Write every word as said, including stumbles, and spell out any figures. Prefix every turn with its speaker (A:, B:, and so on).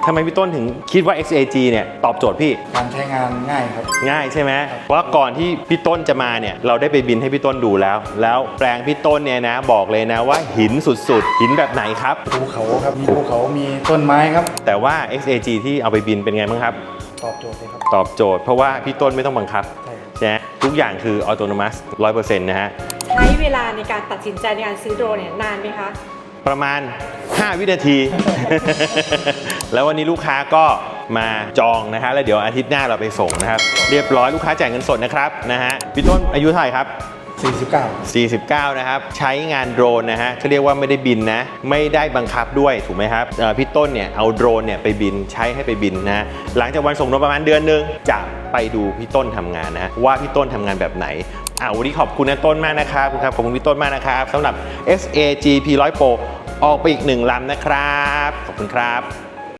A: ทำไมพี่ต้นถึงคิดว่า เอ็กซ์ เอ จี เนี่ยตอบโจทย์พี่
B: การใช้งานง่ายครับ
A: ง่ายใช่ไหมเพราะก่อนที่พี่ต้นจะมาเนี่ยเราได้ไปบินให้พี่ต้นดูแล้วแล้วแปลงพี่ต้นเนี่ยนะบอกเลยนะว่าหินสุดๆหินแบบไหนครับ
B: ภูเขาครับมีภูเขามีต้นไม้ครับ
A: แต่ว่า เอ็กซ์ เอ จี ที่เอาไปบินเป็นไงบ้างครับ
B: ตอบโจทย์เลยครับ
A: ตอบโจทย์เพราะว่าพี่ต้นไม่ต้องบังคับ
B: ใช่
A: ใช่ไหมทุกอย่างคือออโตโนมัส ร้อยเปอร์เซ็นต์ นะฮะ
C: ใช้เวลาในการตัดสินใจในการซื้อโดรนเนี่ยนานไหมคะ
A: ประมาณห้าวินาที แล้ววันนี้ลูกค้าก็มาจองนะฮะแล้วเดี๋ยวอาทิตย์หน้าเราไปส่งนะครับเรียบร้อยลูกค้าจ่ายเงินสดนะครับนะฮะพี่ต้นอายุเท่าไหร่ครับ
B: สี่สิบเก้า
A: สี่สิบเก้านะครับใช้งานโดรนนะฮะเขาเรียกว่าไม่ได้บินนะไม่ได้บังคับด้วยถูกไหมครับพี่ต้นเนี่ยเอาโดรนเนี่ยไปบินใช้ให้ไปบินนะหลังจากวันส่งโดรนประมาณเดือนนึงจะไปดูพี่ต้นทำงานนะว่าพี่ต้นทำงานแบบไหนอ่าวันนี้ขอบคุณนะต้นมากนะครับขอบคุณพี่ต้นมากนะครับสำหรับ เอ็กซ์ เอ จี พี หนึ่งร้อย Pro ออกไปอีกหนึ่งลำนะครับขอบคุณครับ